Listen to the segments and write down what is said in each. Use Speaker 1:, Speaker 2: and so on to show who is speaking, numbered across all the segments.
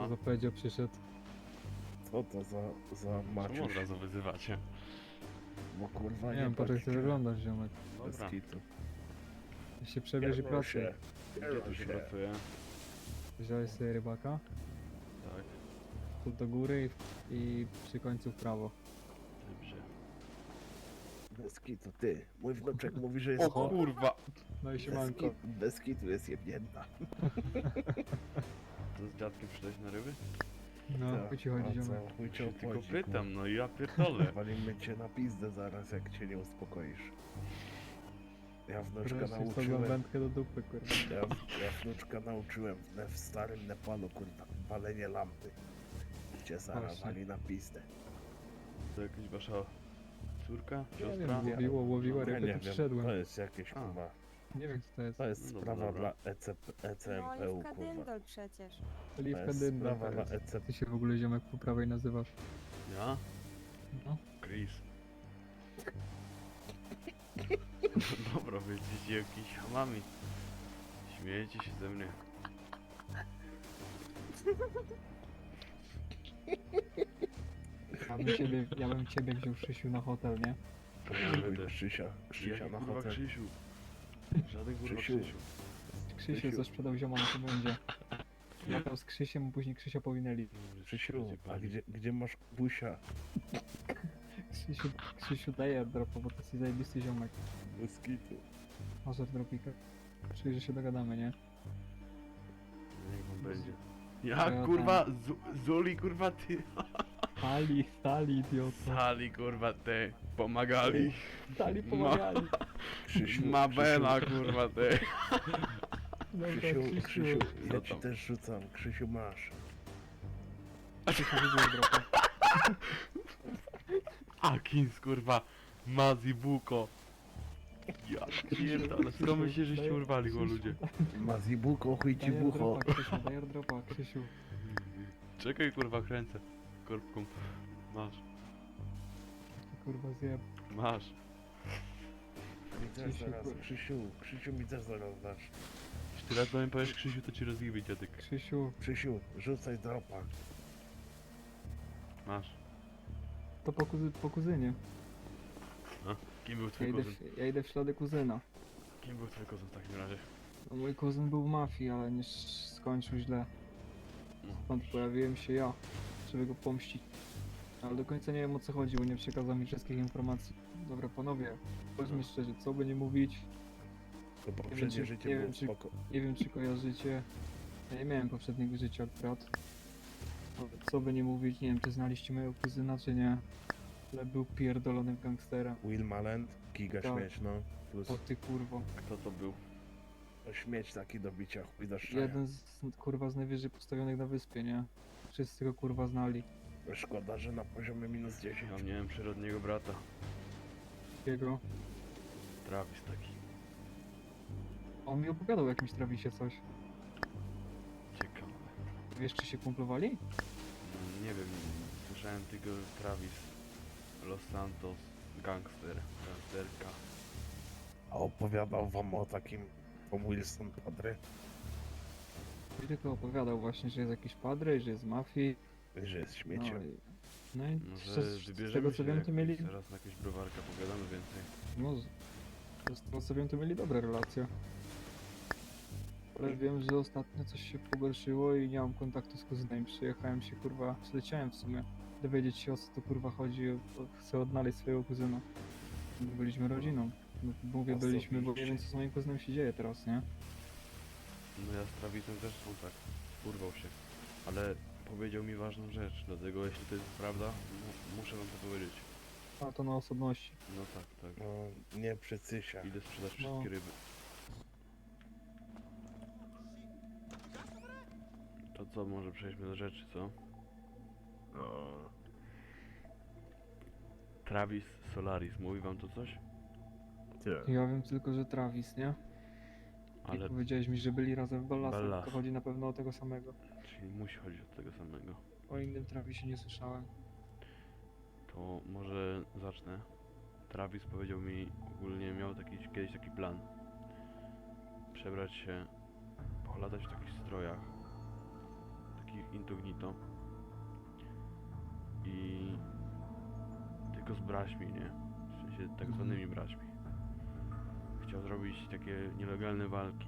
Speaker 1: za Pedzio przyszedł.
Speaker 2: Co to za
Speaker 3: Czemu od
Speaker 2: Maciuś?
Speaker 3: razu wyzywacie?
Speaker 2: Bo kurwa
Speaker 1: Nie wiem, po to jak ty
Speaker 2: patrzcie.
Speaker 1: wyglądasz, ziomek.
Speaker 2: Bez
Speaker 3: Dobra.
Speaker 2: kitu.
Speaker 1: Ja się przebierz i pracuj.
Speaker 3: Gdzie tu się pracuje?
Speaker 1: Wziąłeś sobie rybaka,
Speaker 3: Tak,
Speaker 1: tu do góry i przy końcu w prawo.
Speaker 3: dobrze.
Speaker 2: Bez kitu, ty. Mój wnuczek mówi, że jest
Speaker 3: O kurwa!
Speaker 1: No i
Speaker 2: Bez,
Speaker 1: siemanko.
Speaker 2: bez kitu jest jebnięta.
Speaker 3: To z dziadkiem przyszedłeś na ryby?
Speaker 1: No,
Speaker 2: Tak,
Speaker 1: chuj ci chodzi,
Speaker 2: a co?
Speaker 1: ziomek.
Speaker 2: Chuj cię
Speaker 3: Się tylko
Speaker 2: obchodzi,
Speaker 3: pytam, no ja pierdolę.
Speaker 2: Walimy cię na pizdę zaraz, jak cię nie uspokoisz. Ja wnuczka
Speaker 1: Wreszcie sobie
Speaker 2: nauczyłem...
Speaker 1: wędkę do dupy, kurwa.
Speaker 2: Ja wnuczka nauczyłem w starym Nepalu, kurwa, palenie lampy. Cię zaraz
Speaker 1: Właśnie.
Speaker 2: wali na pizdę.
Speaker 3: To jakaś wasza córka?
Speaker 1: Nie
Speaker 3: Siostra?
Speaker 1: wiem, łowiła
Speaker 2: Ja
Speaker 1: ryby,
Speaker 2: nie
Speaker 1: to
Speaker 2: wiem,
Speaker 1: przyszedłem.
Speaker 2: to jest jakieś,
Speaker 3: A.
Speaker 2: kurwa...
Speaker 1: Nie wiem co to jest.
Speaker 2: To jest
Speaker 3: No
Speaker 2: sprawa
Speaker 3: dobra.
Speaker 2: dla
Speaker 4: No,
Speaker 2: ECMPU,
Speaker 4: Oliwka
Speaker 2: kurwa.
Speaker 4: Dyndol przecież.
Speaker 2: To
Speaker 1: Oliwka
Speaker 2: jest
Speaker 1: dynna.
Speaker 2: sprawa dla ECP.
Speaker 1: Ty się w ogóle, ziomek, po prawej nazywasz.
Speaker 3: Ja?
Speaker 1: No.
Speaker 3: Chris. Dobra, wy jesteście jakimiś hamami. Śmiejecie się ze mnie.
Speaker 1: Ja bym ciebie wziął Krzysiu na hotel, nie?
Speaker 3: Będę.
Speaker 2: Krzysia
Speaker 3: Jaki
Speaker 2: na
Speaker 3: kurwa
Speaker 2: hotel.
Speaker 3: Krzysiu? Żaden kurwa
Speaker 2: Krzysiu.
Speaker 3: Krzysiu.
Speaker 1: Krzysiu
Speaker 2: Krzysiu.
Speaker 1: co sprzedał zioma na tym będzie. Latał z Krzysiem, a później Krzysia powinęli.
Speaker 2: Krzysiu, a gdzie masz busia?
Speaker 1: Krzysiu daje dropa, bo to jest zajebisty ziomek.
Speaker 2: Bez kitu.
Speaker 1: Może w dropika. Czyli, że się dogadamy, nie?
Speaker 3: Niech wam będzie.
Speaker 1: Ja
Speaker 3: Jak kurwa? Zuli kurwa ty?
Speaker 1: Stali, idiota.
Speaker 3: Sali kurwa ty. Pomagali.
Speaker 1: Stali, pomagali.
Speaker 2: Krzysiu,
Speaker 3: Mabela kurwa ty.
Speaker 1: Dobra,
Speaker 2: Krzysiu,
Speaker 3: Co
Speaker 2: ja ci
Speaker 3: tam?
Speaker 2: też rzucam. Krzysiu, masz.
Speaker 1: Krzysiu widział dropa.
Speaker 3: Akins kurwa. Mazibuko. Ja pierdolę. Skąd myślicie, żeście urwali go ludzie?
Speaker 2: Mazibuko, chuj ci
Speaker 1: Daję
Speaker 2: bucho.
Speaker 1: dropa, Krzysiu, daję dropa, Krzysiu.
Speaker 3: Czekaj kurwa kręcę. Korbką. Masz.
Speaker 1: Kurwa zjeb.
Speaker 3: Masz.
Speaker 2: Mi też
Speaker 1: Krzysiu,
Speaker 2: zaraz, Krzysiu mi też zaraz dasz.
Speaker 3: Jeśli ty raz do mnie powiesz Krzysiu, to ci rozgibię dziadek.
Speaker 1: Krzysiu,
Speaker 2: Krzysiu, rzucaj dropa.
Speaker 3: Masz.
Speaker 1: to po kuzynie.
Speaker 3: Kim był
Speaker 1: Ja
Speaker 3: twój
Speaker 1: idę,
Speaker 3: kuzyn?
Speaker 1: ja idę w ślady kuzyna.
Speaker 3: Kim był twój kuzyn w takim razie?
Speaker 1: No, mój kuzyn był w mafii, ale nie skończył źle.
Speaker 3: No.
Speaker 1: Stąd pojawiłem się ja, żeby go pomścić. Ale do końca nie wiem o co chodzi, bo nie przekazał mi wszystkich informacji. Dobra panowie, powiedzmy szczerze, co by nie mówić,
Speaker 2: To poprzednie
Speaker 1: czy-
Speaker 2: życie
Speaker 1: nie
Speaker 2: było
Speaker 1: wiem, czy-
Speaker 2: spoko.
Speaker 1: nie wiem czy kojarzycie. Ja nie miałem poprzedniego życia akurat. Ale co by nie mówić, nie wiem czy znaliście mojego kuzyna czy nie. Ale był pierdolonym gangsterem.
Speaker 2: Will Malent, giga
Speaker 1: Tak.
Speaker 2: śmieć, no. Plus
Speaker 1: O ty kurwo.
Speaker 3: Kto to był?
Speaker 2: śmieć taki do bicia, chuj do szczania.
Speaker 1: Jeden z kurwa z najwyżej postawionych na wyspie, nie? Wszyscy go kurwa znali.
Speaker 2: Szkoda, że na poziomie minus 10.
Speaker 3: Ja miałem przyrodniego brata.
Speaker 1: Jego.
Speaker 3: Travis taki.
Speaker 1: On mi opowiadał o jakimś Travisie coś.
Speaker 3: Ciekawe.
Speaker 1: Wiesz czy się kumplowali?
Speaker 3: Nie wiem, słyszałem tylko Travis. Los Santos. Gangsterka.
Speaker 2: A opowiadał wam o takim Tom Wilson Padre,
Speaker 1: I tylko opowiadał właśnie, że jest jakiś padre, że jest z mafii.
Speaker 2: że jest
Speaker 1: No
Speaker 2: śmieciem.
Speaker 1: i, no i
Speaker 3: Może
Speaker 1: z
Speaker 3: wybierzemy
Speaker 1: tego co
Speaker 3: się
Speaker 1: wiem to mieli.
Speaker 3: teraz na jakieś browarka, pogadamy więcej.
Speaker 1: No z tego co wiem to mieli dobre relacje. Ale wiem, że ostatnio coś się pogorszyło i nie mam kontaktu z kuzynem. Przyjechałem się kurwa, przyleciałem w sumie. Dowiedzieć się o co tu kurwa chodzi, chcę odnaleźć swojego kuzyna. Byliśmy rodziną. No, mówię byliśmy, bo nie wiem co z moim kuzynem się dzieje teraz, nie?
Speaker 3: No ja z Travisem też są tak. Urwał się. Ale powiedział mi ważną rzecz, dlatego jeśli to jest prawda, muszę wam to powiedzieć.
Speaker 1: A to na osobności.
Speaker 3: No tak, tak.
Speaker 2: No, nie przycysia.
Speaker 3: Idę sprzedać
Speaker 1: No.
Speaker 3: wszystkie ryby. To co, może przejdźmy do rzeczy, co?
Speaker 2: No.
Speaker 3: Travis Solaris, mówi wam to coś?
Speaker 2: Ty.
Speaker 1: Ja wiem tylko, że Travis, nie?
Speaker 3: Ale,
Speaker 1: I powiedziałeś mi, że byli razem w Ballasach.
Speaker 3: Ballas.
Speaker 1: To chodzi na pewno o tego samego.
Speaker 3: czyli musi chodzić o tego samego.
Speaker 1: O innym Travisie nie słyszałem.
Speaker 3: To może zacznę. Travis powiedział mi, ogólnie miał kiedyś taki plan. Przebrać się, polatać w takich strojach. wszystkich incognito. I tylko z braćmi, nie? W sensie tak zwanymi braćmi. Chciał zrobić takie nielegalne walki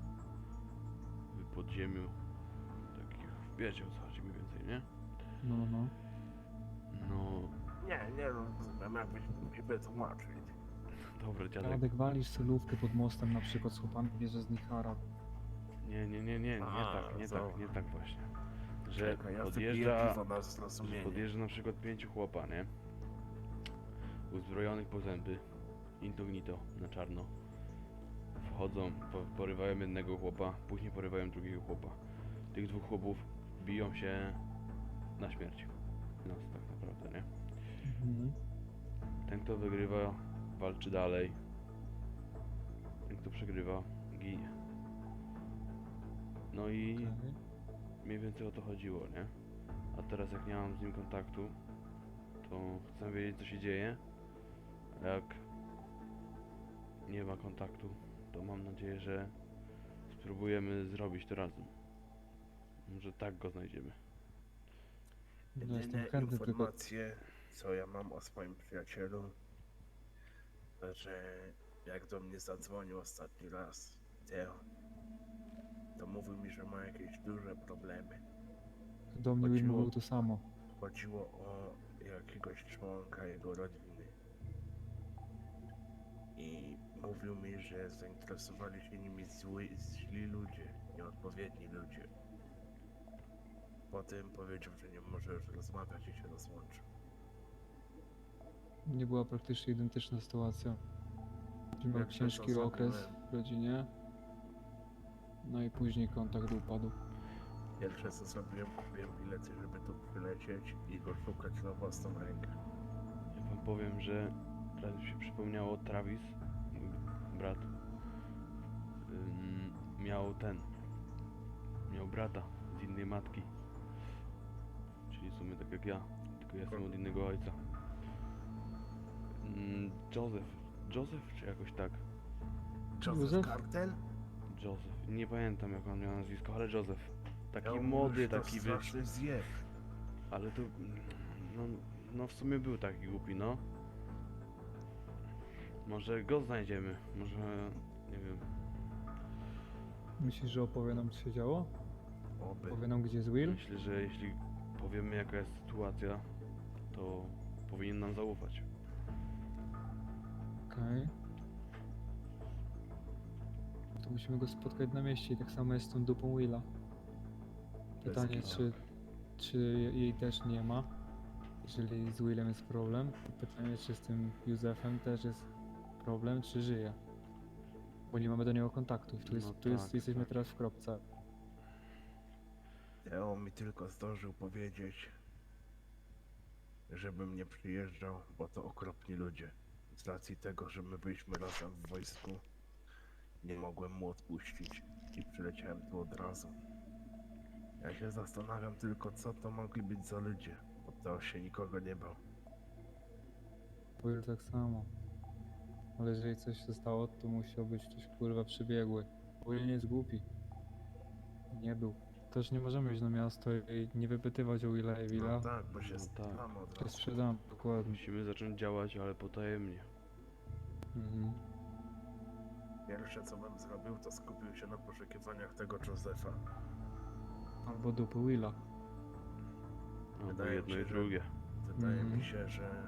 Speaker 3: w podziemiu. Takich, wiecie o co chodzi mniej więcej, nie?
Speaker 1: No, no.
Speaker 3: No,
Speaker 2: Nie rozumiem, jakbyś mi wytłumaczyć.
Speaker 3: dobra, dziadek.
Speaker 1: Radek, walisz solówkę pod mostem na przykład z chłopami, bierze z nich harap.
Speaker 3: Nie
Speaker 2: A,
Speaker 3: nie tak właśnie. Że
Speaker 2: Czekaj, ja
Speaker 3: podjeżdża,
Speaker 2: wypiję piwo na
Speaker 3: że
Speaker 2: zrozumienie.
Speaker 3: podjeżdża na przykład 5 chłopa, nie? Uzbrojonych po zęby, incognito, na czarno. Wchodzą, porywają jednego chłopa, później porywają drugiego chłopa. Tych dwóch chłopów biją się na śmierć. Nas tak naprawdę, nie?
Speaker 1: Mhm.
Speaker 3: Ten kto wygrywa, walczy dalej. Ten kto przegrywa, ginie. No i
Speaker 1: Okej.
Speaker 3: mniej więcej o to chodziło, nie? A teraz jak nie mam z nim kontaktu, to chcę wiedzieć co się dzieje. A jak nie ma kontaktu, to mam nadzieję, że spróbujemy zrobić to razem. Może tak go znajdziemy.
Speaker 1: No, jestem
Speaker 2: Jedyne
Speaker 1: chętny, tylko
Speaker 2: informacje, co ja mam o swoim przyjacielu, że jak do mnie zadzwonił ostatni raz Teo, to mówił mi, że ma jakieś duże problemy.
Speaker 1: do mnie Will
Speaker 2: chodziło-
Speaker 1: mówił to samo.
Speaker 2: Chodziło o jakiegoś członka jego rodziny. I mówił mi, że zainteresowali się nimi źli ludzie, nieodpowiedni ludzie. Potem powiedział, że nie może już rozmawiać i się rozłączył.
Speaker 1: Nie była praktycznie identyczna sytuacja. Miał
Speaker 2: Jak
Speaker 1: ciężki
Speaker 2: to
Speaker 1: okres
Speaker 2: zrobiłem?
Speaker 1: w rodzinie. No i później kontakt upadł.
Speaker 2: Pierwsze co zrobiłem, kupiłem bilety, żeby tu przylecieć i go szukać na własną rękę.
Speaker 3: Ja wam powiem, że teraz mi się przypomniało Travis, mój brat, miał brata z innej matki. Czyli w sumie tak jak ja, tylko ja jestem od innego ojca. Joseph czy jakoś tak?
Speaker 2: Joseph
Speaker 1: Józef?
Speaker 2: Cartel?
Speaker 3: Joseph, nie pamiętam jak on miał nazwisko, ale Joseph. Taki
Speaker 2: Ja
Speaker 3: młody,
Speaker 2: mówię, że to
Speaker 3: taki
Speaker 2: straszny zjeb.
Speaker 3: ale to, no, no w sumie był taki głupi, no. Może go znajdziemy, może, nie wiem.
Speaker 1: Myślisz, że opowie nam, co się działo?
Speaker 2: Oby.
Speaker 1: Powie nam, gdzie jest Will?
Speaker 3: Myślę, że jeśli powiemy jaka jest sytuacja, to powinien nam zaufać.
Speaker 1: Okej. To musimy go spotkać na mieście i tak samo jest z tą dupą Willa. Pytanie,
Speaker 2: kitu.
Speaker 1: czy jej też nie ma, jeżeli z Willem jest problem. Pytanie, czy z tym Józefem też jest problem, czy żyje. Bo nie mamy do niego kontaktu. Tu, jest,
Speaker 3: No
Speaker 1: tu jest,
Speaker 3: tak,
Speaker 1: jesteśmy
Speaker 3: tak.
Speaker 1: teraz w kropce.
Speaker 2: Teo mi tylko zdążył powiedzieć, żebym nie przyjeżdżał, bo to okropni ludzie. Z racji tego, że my byliśmy razem w wojsku, nie mogłem mu odpuścić i przyleciałem tu od razu. Ja się zastanawiam tylko, co to mogli być za ludzie, bo Teo się nikogo nie bał.
Speaker 1: Will tak samo. Ale jeżeli coś się stało, to musiał być ktoś kurwa przybiegły. Will nie jest głupi. Nie był. Też nie możemy iść na miasto i nie wypytywać o Willa i Willa.
Speaker 2: No tak, bo się
Speaker 3: No tak.
Speaker 2: sprzedamy od
Speaker 1: To jest
Speaker 2: razu.
Speaker 1: sprzedam, dokładnie.
Speaker 3: Musimy zacząć działać, ale potajemnie.
Speaker 1: Mhm.
Speaker 2: Pierwsze co bym zrobił, to skupił się na poszukiwaniach tego Josefa.
Speaker 1: Albo dupy Willa.
Speaker 3: Albo
Speaker 2: Wydaje mi
Speaker 3: jedno
Speaker 2: się,
Speaker 3: i
Speaker 2: że-
Speaker 3: drugie.
Speaker 2: Wydaje
Speaker 1: Mhm.
Speaker 2: mi się,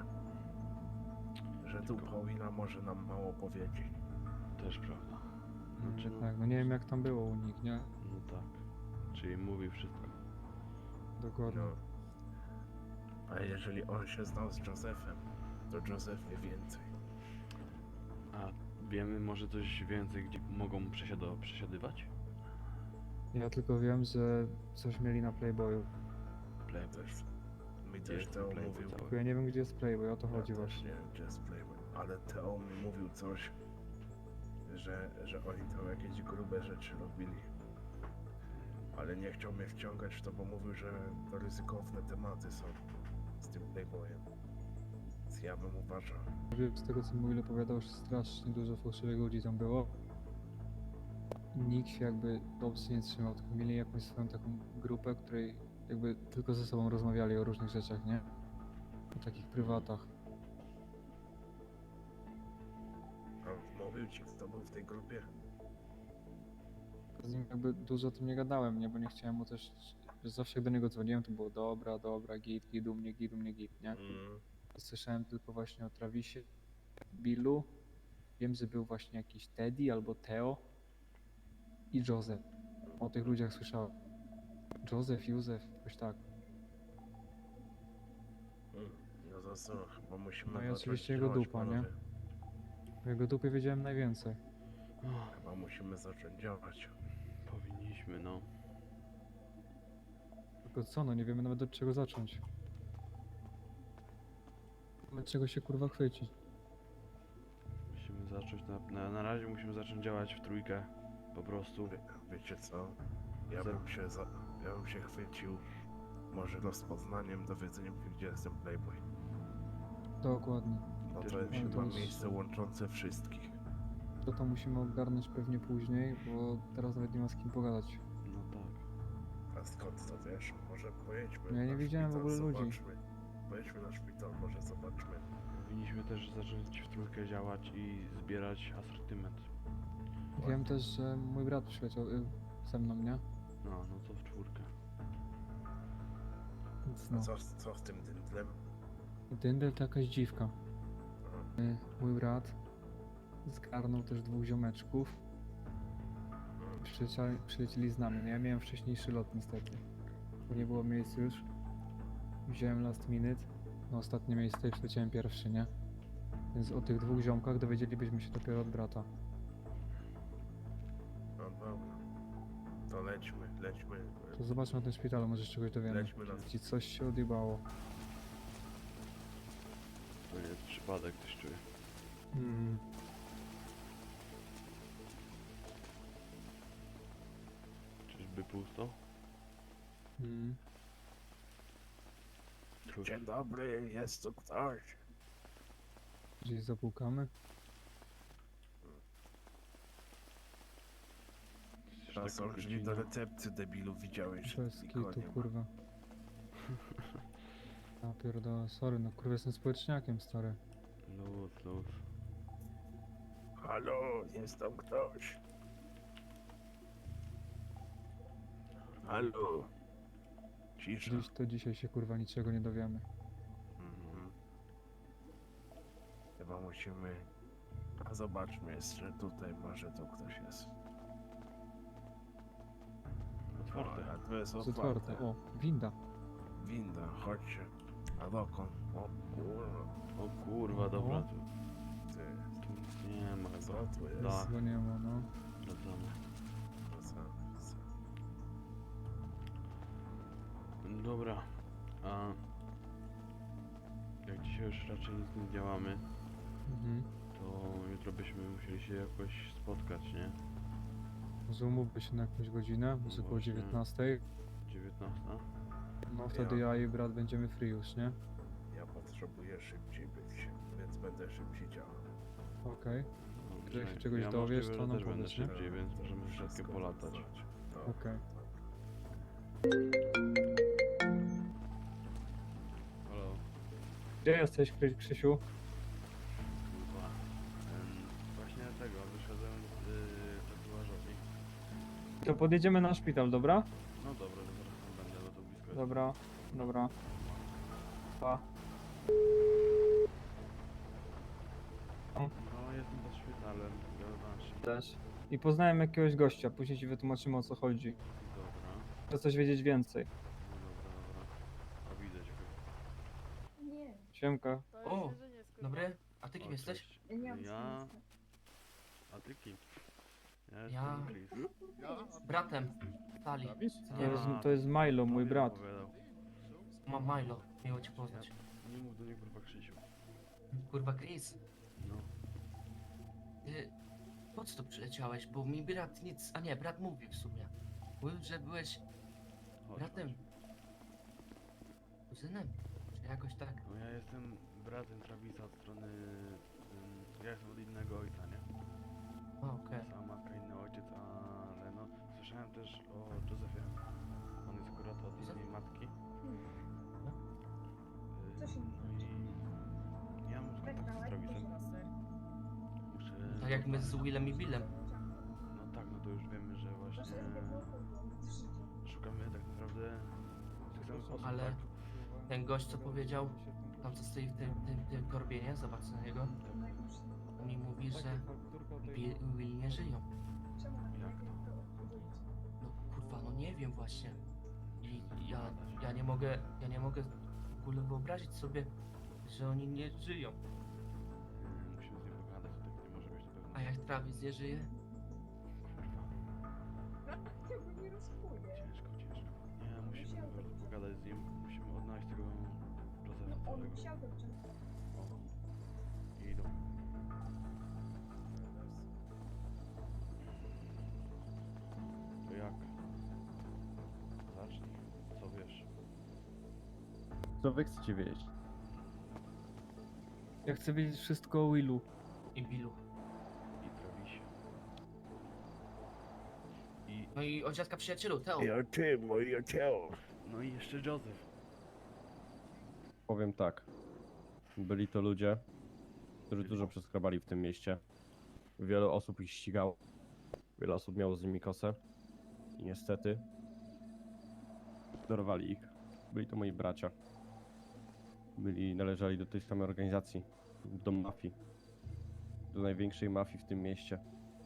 Speaker 2: że tu Paulina może nam mało powiedzieć.
Speaker 3: Też prawda. Znaczy, no,
Speaker 1: Tak, no nie wiem jak tam było u nich, nie?
Speaker 3: no tak. Czyli mówi wszystko.
Speaker 1: Dokładnie.
Speaker 2: No. A jeżeli on się znał z Josephem, to Joseph wie więcej.
Speaker 3: A wiemy może coś więcej, gdzie mogą przesiadywać?
Speaker 1: Ja tylko wiem, że coś mieli na Playboyu.
Speaker 3: Playboy.
Speaker 2: Też, mi
Speaker 3: Gdzie
Speaker 2: też
Speaker 3: jest
Speaker 2: Teo
Speaker 3: Playboy
Speaker 2: mówił,
Speaker 3: cały?
Speaker 1: Tylko ja nie wiem gdzie jest Playboy, o to
Speaker 2: ja
Speaker 1: chodzi
Speaker 2: też
Speaker 1: właśnie.
Speaker 2: nie wiem, gdzie jest Playboy, ale Teo mi mówił coś, że oni tam jakieś grube rzeczy robili. Ale nie chciał mnie wciągać w to, bo mówił, że to ryzykowne tematy są z tym Playboyem. Więc ja bym uważał.
Speaker 1: Wiem, z tego co mi Will opowiadał, że strasznie dużo fałszywych ludzi tam było. I nikt się jakby dobrze nie trzymał, tylko mieli jakąś swoją taką grupę, której jakby tylko ze sobą rozmawiali o różnych rzeczach, nie? O takich prywatach.
Speaker 2: A mówił ci, kto był w tej grupie?
Speaker 1: Z nim jakby dużo o tym nie gadałem, nie? Bo nie chciałem mu też... Zawsze jak do niego dzwoniłem, to było dobra, git u mnie, git, nie?
Speaker 2: Mm.
Speaker 1: Słyszałem tylko właśnie o Travisie, Billu. Wiem, że był właśnie jakiś Teddy albo Theo i Joseph. O tych ludziach słyszałem. Józef, jakoś tak.
Speaker 2: No to co, chyba musimy
Speaker 1: No i
Speaker 2: zacząć
Speaker 1: oczywiście jego
Speaker 2: działać,
Speaker 1: dupa, nie?
Speaker 2: panowie.
Speaker 1: O jego dupie wiedziałem najwięcej.
Speaker 2: Chyba musimy zacząć działać.
Speaker 3: Powinniśmy, no.
Speaker 1: Tylko co, no nie wiemy nawet od czego zacząć. Od czego się kurwa chwycić.
Speaker 3: Musimy zacząć, na razie musimy zacząć działać w trójkę. Po prostu.
Speaker 2: Wiecie co? Ja bym się chwycił może rozpoznaniem, dowiedzeniem, gdzie jest ten Playboy.
Speaker 1: Dokładnie.
Speaker 2: No
Speaker 3: Też
Speaker 2: to jest
Speaker 3: musimy
Speaker 2: chyba
Speaker 1: to-
Speaker 2: miejsce łączące wszystkich.
Speaker 1: To musimy ogarnąć pewnie później, bo teraz nawet nie ma z kim pogadać.
Speaker 3: No tak.
Speaker 2: A skąd to wiesz? Może pojedźmy
Speaker 1: Ja nie
Speaker 2: na
Speaker 1: widziałem w
Speaker 2: szpital,
Speaker 1: ogóle ludzi.
Speaker 2: zobaczmy. Pojedźmy na szpital, może zobaczmy.
Speaker 3: Powinniśmy też zacząć w trójkę działać i zbierać asortyment.
Speaker 1: Wiem też, że mój brat przyleciał ze mną, nie?
Speaker 3: No to w czwórkę.
Speaker 1: Więc
Speaker 2: A
Speaker 1: no.
Speaker 2: co z tym dynдлem?
Speaker 1: Dyndel to jakaś dziwka. Mój brat zgarnął też dwóch ziomeczków. Przylecieli z nami. No ja miałem wcześniejszy lot niestety. Bo nie było miejsc już. Wziąłem last minute. Na ostatnie miejsce i przyleciałem pierwszy, nie? Więc o tych dwóch ziomkach dowiedzielibyśmy się dopiero od brata.
Speaker 2: No dobra. To lećmy.
Speaker 1: To zobaczmy na tym szpitalu, może się czegoś dowiemy.
Speaker 2: Lećmy na...
Speaker 1: Ci coś się odjebało.
Speaker 3: To nie jest przypadek, coś czuję.
Speaker 1: Mm.
Speaker 3: Czyżby pusto?
Speaker 1: Mm.
Speaker 3: Kurwa.
Speaker 2: Dzień dobry, jest tu ktoś.
Speaker 1: Gdzieś zapukamy.
Speaker 3: Jesteś
Speaker 2: To
Speaker 3: taką
Speaker 2: są drzwi do
Speaker 3: godziną.
Speaker 2: recepcji, debilu, widziałeś, że
Speaker 1: Bez
Speaker 2: nikogo
Speaker 1: kitu,
Speaker 2: nie ma.
Speaker 1: kurwa. Ja pierdolę, sorry, no kurwa jestem społeczniakiem, stary.
Speaker 3: Luz.
Speaker 2: Halo, jest tam ktoś. Halo. Cisza.
Speaker 1: Dziś to dzisiaj się kurwa niczego nie dowiemy.
Speaker 2: Mhm. Chyba musimy... A zobaczmy jeszcze tutaj, może tu ktoś jest.
Speaker 3: Otwarte.
Speaker 2: A tu jest
Speaker 1: Jest
Speaker 2: otwarte.
Speaker 1: otwarte. O, winda.
Speaker 2: Winda, chodźcie. A dokąd? O kurwa,
Speaker 3: O kurwa, dobra,
Speaker 1: O.
Speaker 3: tu
Speaker 2: ty,
Speaker 3: nic nie ma
Speaker 2: co
Speaker 3: chyba.
Speaker 2: tu jest?
Speaker 3: Da.
Speaker 1: Chyba nie ma, no.
Speaker 3: Sprawdzamy.
Speaker 2: Co?
Speaker 3: Dobra, a jak dzisiaj już raczej nic nie działamy,
Speaker 1: Mhm.
Speaker 3: to jutro byśmy musieli się jakoś spotkać, nie?
Speaker 1: Może umówmy się na jakąś godzinę, może około
Speaker 3: Właśnie.
Speaker 1: 19.
Speaker 3: 19?
Speaker 1: No wtedy ja i brat będziemy free już, nie?
Speaker 2: Ja potrzebuję szybciej być, więc będę szybciej działał.
Speaker 1: Okej,
Speaker 3: Dobrze.
Speaker 1: Jak się czegoś
Speaker 3: ja
Speaker 1: dowiesz,
Speaker 3: możliwe,
Speaker 1: to
Speaker 3: że
Speaker 1: nam
Speaker 3: też będę
Speaker 1: powiedz, nie?
Speaker 3: szybciej, więc możemy
Speaker 2: Wszystko
Speaker 3: wszystkie polatać.
Speaker 2: znać.
Speaker 1: okej.
Speaker 3: Halo,
Speaker 1: Gdzie jesteś, Krzysiu?
Speaker 3: kurwa. Właśnie tego, wyszedłem z tatuażowni.
Speaker 1: To podjedziemy na szpital, dobra?
Speaker 3: No dobra, to zaraz tam będę, bo to blisko jest.
Speaker 1: Dobra. Pa.
Speaker 3: No, jestem pod szpitalem, zobacz.
Speaker 1: Też. I poznałem jakiegoś gościa, później ci wytłumaczymy o co chodzi.
Speaker 3: Dobra,
Speaker 1: Chcę coś wiedzieć więcej.
Speaker 3: no dobra. A widzę cię chyba.
Speaker 4: Nie,
Speaker 1: Siemka.
Speaker 4: to jest jedzenie z
Speaker 5: Dobry, a ty kim
Speaker 3: O,
Speaker 5: jesteś?
Speaker 3: cześć.
Speaker 4: Ja nie mam
Speaker 3: Ja...
Speaker 4: nic.
Speaker 3: A ty kim? Ja
Speaker 5: Ja-
Speaker 3: jestem Chris.
Speaker 5: Bratem. Stali. Co
Speaker 1: To
Speaker 5: nie
Speaker 1: jest,
Speaker 5: ma?
Speaker 1: to jest Milo, mój
Speaker 3: Tobie
Speaker 1: brat.
Speaker 3: opowiadał.
Speaker 5: Mam Milo. Miło cię poznać.
Speaker 3: Nie mów do niego kurwa Krzysiu.
Speaker 5: Kurwa Chris,
Speaker 3: No.
Speaker 5: ty po co tu przyleciałeś? Bo mi brat nic... A nie, brat mówił w sumie. Mówił, że byłeś
Speaker 3: Chodź,
Speaker 5: bratem.
Speaker 3: chodź.
Speaker 5: Kuzynem? Czy jakoś tak?
Speaker 3: No ja jestem bratem Travisa od strony... ja jestem od innego ojca, nie?
Speaker 5: A, okej.
Speaker 3: Sama matka, inny ojciec, ale no... Słyszałem też o Józefie. On jest akurat od innej matki.
Speaker 5: jak my z Willem i Billem.
Speaker 3: No tak, no to już wiemy, że właśnie szukamy tak naprawdę tych osób,
Speaker 5: Ale
Speaker 3: tak?
Speaker 5: ten gość co powiedział, tam co stoi w tym torbie, nie? Zobacz na niego. On mi mówi, że Will nie żyją.
Speaker 3: Jak to?
Speaker 5: No kurwa, no nie wiem właśnie. I ja nie mogę w ogóle wyobrazić sobie, że oni nie żyją.
Speaker 3: Musimy z nim pogadać, to tak nie może być na pewno.
Speaker 5: A jak Travis nie żyje?
Speaker 3: Ciężko. Nie, musimy po prostu pogadać z nim. Musimy odnaleźć tego Josefa całego. O. I idą. To jak? Zacznij. Co wiesz?
Speaker 4: Co wy chcecie wiedzieć?
Speaker 1: Ja chcę wiedzieć wszystko o Willu.
Speaker 5: I Billu.
Speaker 3: I Travisie. I...
Speaker 5: No i od dziadka przyjacielu, Teo.
Speaker 2: I o czym, moje ciało?
Speaker 3: No i jeszcze Joseph.
Speaker 4: Powiem tak. Byli to ludzie, którzy dużo przeskrobali w tym mieście. Wiele osób ich ścigało. Wiele osób miało z nimi kosę. I niestety dorwali ich. Byli to moi bracia. Należeli do tej samej organizacji. Do mafii. Do największej mafii w tym mieście.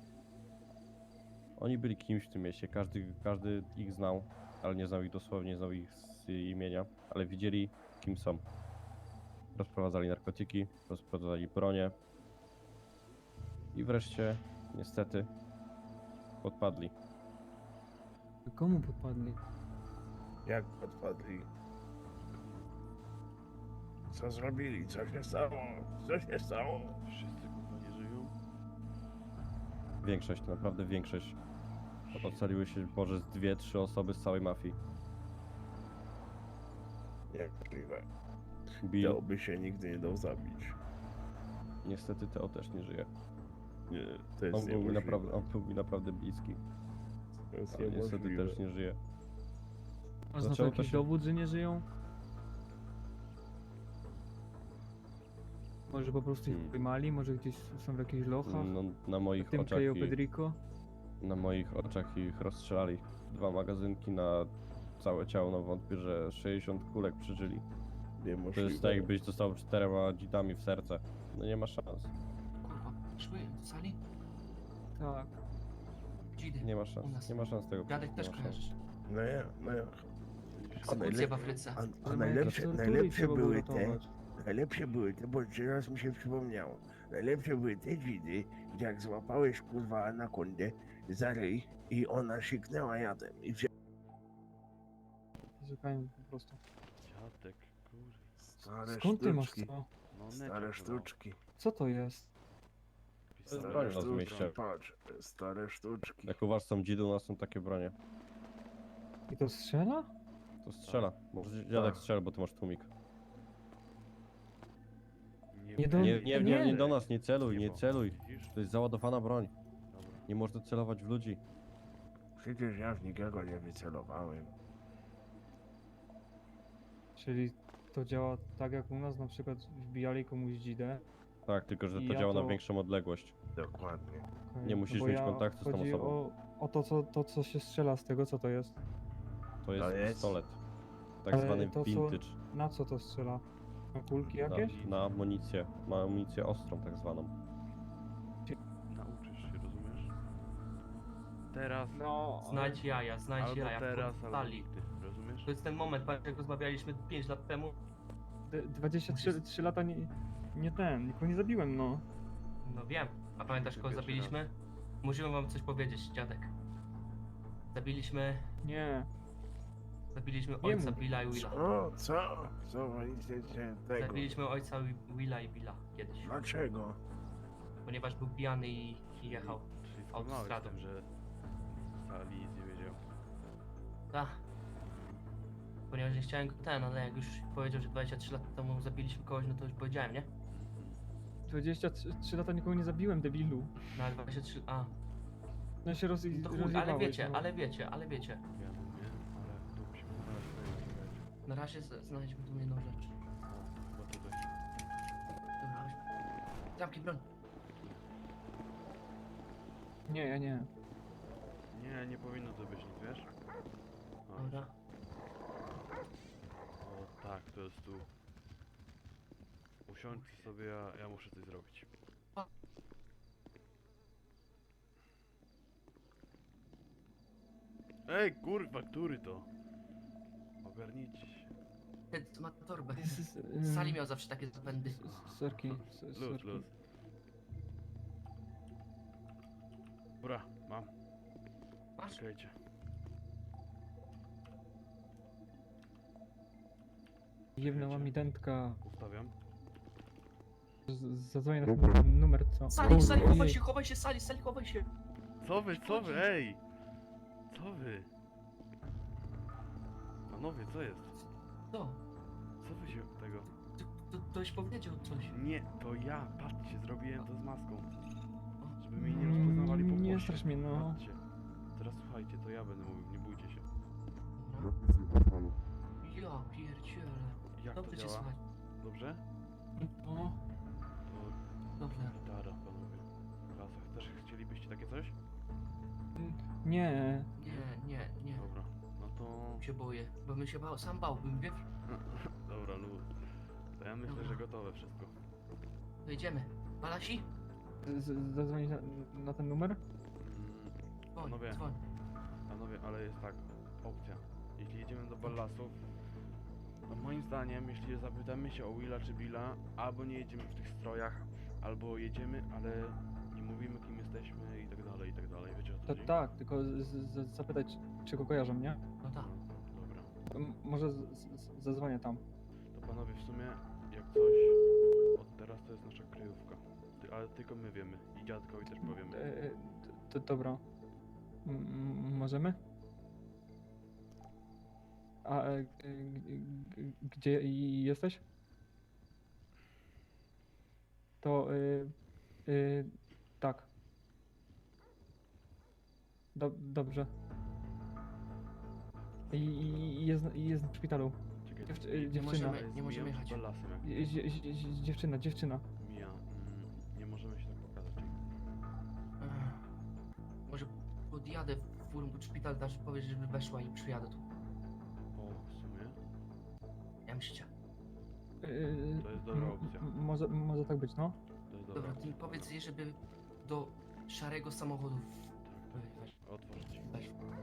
Speaker 4: Oni byli kimś w tym mieście. Każdy ich znał, ale nie znał ich dosłownie, nie znał ich z imienia. Ale widzieli, kim są. Rozprowadzali narkotyki, rozprowadzali bronię. I wreszcie, niestety, podpadli.
Speaker 1: Komu podpadli?
Speaker 2: Jak odpadli? Co zrobili? Co się stało? Co się stało?
Speaker 3: Wszyscy kurwa nie żyją?
Speaker 4: Większość, naprawdę większość. Ocaliły się może z 2-3 osoby z całej mafii.
Speaker 2: Niemożliwe.
Speaker 4: Bill,
Speaker 2: Teo by się nigdy nie dał zabić.
Speaker 4: niestety Teo też nie żyje.
Speaker 2: Nie, to jest
Speaker 4: On był
Speaker 2: niemożliwe.
Speaker 4: mi naprawdę bliski,
Speaker 2: To jest
Speaker 4: ale niestety
Speaker 2: niemożliwe.
Speaker 4: też nie żyje.
Speaker 1: Masz na to
Speaker 4: Zaczęło to
Speaker 1: jakiś
Speaker 4: się-
Speaker 1: dowód, że nie żyją? Może po prostu ich pojmali, może gdzieś są w jakichś lochach?
Speaker 4: No,
Speaker 1: W tym Cayo Pedrico?
Speaker 4: na moich oczach ich rozstrzelali. 2 magazynki na całe ciało, no wątpię, że 60 kulek przeżyli. To
Speaker 2: Niemożliwe.
Speaker 4: jest tak jakbyś dostał 4 dzitami w serce. No nie ma szans.
Speaker 5: Kurwa, szły do sali?
Speaker 1: Tak.
Speaker 5: Dzidy.
Speaker 4: Nie ma
Speaker 5: U
Speaker 4: szans.
Speaker 5: nas.
Speaker 4: Nie ma szans tego.
Speaker 5: Dziadek
Speaker 4: nie
Speaker 5: też
Speaker 4: ma szans.
Speaker 5: kojarzysz.
Speaker 2: No ja, no ja.
Speaker 5: Egzekucje w Afryce.
Speaker 2: A
Speaker 1: Ale
Speaker 2: najlepsze,
Speaker 1: jakieś tortury
Speaker 2: najlepsze
Speaker 1: trzeba było
Speaker 2: były te,
Speaker 1: ratować.
Speaker 2: najlepsze były te, bo teraz mi się przypomniało. Najlepsze były te dzidy, gdzie jak złapałeś kurwa anakondę za ryj i ona siknęła jadem i wzięła
Speaker 1: Szukajmy po prostu.
Speaker 3: Dziadek, kurwa.
Speaker 2: stare
Speaker 1: Skąd ty masz
Speaker 2: sztuczki.
Speaker 1: to?
Speaker 3: No
Speaker 2: Stare
Speaker 3: neciak
Speaker 2: sztuczki.
Speaker 1: Co to jest?
Speaker 4: To jest
Speaker 2: Stare
Speaker 4: broń na
Speaker 2: sztuczki.
Speaker 4: zmieście.
Speaker 2: Patrz, stare sztuczki.
Speaker 4: Jak u was są dzidy, u nas są takie bronie.
Speaker 1: I to strzela?
Speaker 4: To strzela. Może dziadek
Speaker 2: Tak.
Speaker 4: strzela, bo ty masz tłumik.
Speaker 1: Nie do-
Speaker 4: Nie do nas, nie celuj, nie celuj.
Speaker 3: Widzisz?
Speaker 4: To jest załadowana broń.
Speaker 3: Dobra.
Speaker 4: Nie można celować w ludzi.
Speaker 2: Przecież ja w nikogo nie wycelowałem.
Speaker 1: Czyli to działa tak jak u nas, na przykład wbijali komuś dzidę.
Speaker 4: Tak, tylko że
Speaker 1: I
Speaker 4: to
Speaker 1: ja
Speaker 4: działa na
Speaker 1: to-
Speaker 4: większą odległość.
Speaker 2: Dokładnie.
Speaker 1: Okej,
Speaker 4: Nie musisz
Speaker 1: bo
Speaker 4: mieć kontaktu z tą
Speaker 1: chodzi
Speaker 4: osobą.
Speaker 1: o to, co się strzela z tego, co to jest.
Speaker 4: To jest
Speaker 2: jest-
Speaker 4: pistolet. Tak
Speaker 1: Ale
Speaker 4: zwany
Speaker 1: to co-
Speaker 4: vintage.
Speaker 1: Na co to strzela? Na kulki jakieś?
Speaker 4: Na amunicję. Ma amunicję ostrą tak zwaną.
Speaker 3: Nauczysz się, rozumiesz? Teraz,
Speaker 1: No,
Speaker 5: Znajdź jaja, znajdź
Speaker 3: albo
Speaker 5: jaja.
Speaker 3: teraz,
Speaker 5: w
Speaker 3: albo
Speaker 5: sali.
Speaker 3: nigdy, rozumiesz?
Speaker 5: To jest ten moment, pamiętam jak rozmawialiśmy 5 lat temu.
Speaker 1: 23 lata nikogo nie zabiłem, no.
Speaker 5: No wiem. A pamiętasz kogo
Speaker 3: Pierwszy
Speaker 5: zabiliśmy? Musimy wam coś powiedzieć, dziadek. Zabiliśmy ojca
Speaker 1: mów.
Speaker 5: Billa i Willa.
Speaker 2: Co wolicie tego?
Speaker 5: Zabiliśmy ojca Willa i Billa kiedyś.
Speaker 2: Dlaczego?
Speaker 5: Ponieważ był pijany i jechał.
Speaker 3: Czyli
Speaker 5: autostradą.
Speaker 3: autostradą, że Sali nic nie wiedział.
Speaker 5: Tak. Ponieważ nie chciałem go ale jak już powiedział, że 23 lata temu zabiliśmy kogoś, no to już powiedziałem, nie?
Speaker 1: 23 lata nikogo nie zabiłem, debilu.
Speaker 5: No ale 23,
Speaker 1: No się
Speaker 5: no to chuj,
Speaker 1: rozjebałeś,
Speaker 5: ale wiecie,
Speaker 1: no.
Speaker 5: ale wiecie, ale wiecie.
Speaker 3: Ja wiem, ale tu musimy znaleźć tego.
Speaker 5: Na razie znaleźliśmy tu jedną rzecz.
Speaker 3: Chyba tutaj.
Speaker 5: Dobra, chodźmy. Zamknij broń.
Speaker 1: Nie, ja nie.
Speaker 3: Nie, nie powinno to być nic, wiesz? O,
Speaker 5: Dobra.
Speaker 3: o tak, to jest tu. Usiądź sobie, ja muszę coś zrobić. Ej, kurwa, który to? Ogarnijcie się.
Speaker 5: Ten co ma torbę.
Speaker 1: Z-
Speaker 5: Sali miał zawsze takie zapędy.
Speaker 1: Sorki,
Speaker 3: Luz,
Speaker 1: sorki.
Speaker 3: luz. Dobra, mam.
Speaker 5: Masz?
Speaker 3: Czekajcie.
Speaker 1: Jebnęła mi dętka.
Speaker 3: Ustawiam.
Speaker 1: Zadzwonię na ten numer, co?
Speaker 5: Sali, Sali,
Speaker 1: Ojej.
Speaker 5: chowaj się, Sali, chowaj się.
Speaker 3: Co wy, ej! Co wy? Panowie, co jest?
Speaker 5: Co?
Speaker 3: Co wy się tego?
Speaker 5: Ktoś powiedział coś.
Speaker 3: Nie, to ja, patrzcie, zrobiłem to z maską. Żeby mnie nie rozpoznawali po głosie.
Speaker 1: Nie strasz mnie, no.
Speaker 3: Patrzcie. Teraz słuchajcie, to ja będę mówił, nie bójcie się.
Speaker 5: Dobra. Ja pierdzielę.
Speaker 3: Jak to
Speaker 5: Dobrze cię
Speaker 3: działa?
Speaker 5: słychać.
Speaker 3: Dobrze?
Speaker 1: No,
Speaker 3: To
Speaker 5: Dobrze.
Speaker 3: gitara, panowie. Klasa, też chcielibyście takie coś?
Speaker 1: nie.
Speaker 5: Nie.
Speaker 3: Dobra, no to...
Speaker 5: Się boję, bo bym się bał, sam bałbym, wiesz?
Speaker 3: Dobra, luz. To ja myślę, że gotowe wszystko.
Speaker 5: To idziemy. Balasi?
Speaker 1: Zadzwonić na ten numer?
Speaker 5: Dzwoń,
Speaker 3: Panowie,
Speaker 5: dzwoń.
Speaker 3: panowie, ale jest tak, opcja. Jeśli jedziemy do Ballasów, to moim zdaniem, jeśli zapytamy się o Willa czy Billa, albo nie jedziemy w tych strojach, albo jedziemy, ale nie mówimy kim jesteśmy i tak dalej, wiecie o co
Speaker 1: To
Speaker 3: chodzi?
Speaker 1: tak, tylko zapytać, czy go kojarzą, nie?
Speaker 5: No tak.
Speaker 3: Dobra.
Speaker 1: Może zadzwonię tam.
Speaker 3: To panowie, w sumie, jak coś, od teraz to jest nasza kryjówka. Ale tylko my wiemy i dziadkowi też powiemy.
Speaker 1: To dobra. Możemy? A gdzie jesteś? To tak. Dobrze. Jest w szpitalu.
Speaker 3: Czekaj,
Speaker 1: dziewczyna.
Speaker 5: Nie możemy jechać.
Speaker 3: Ballasem, jak
Speaker 1: Dziewczyna.
Speaker 3: mija. Nie możemy się tak pokazać.
Speaker 5: Może podjadę furą do szpital, dasz powiesz, żeby weszła i przyjadę tu.
Speaker 3: O, w sumie,
Speaker 5: Ja myślę.
Speaker 3: to jest dobra opcja.
Speaker 1: Może tak być, no.
Speaker 3: To jest dobra
Speaker 5: Dobra, ty
Speaker 3: opcja.
Speaker 5: powiedz jej, żeby do szarego samochodu
Speaker 3: Tak, tak.
Speaker 5: weź.
Speaker 3: Otworzyć.
Speaker 5: Weź.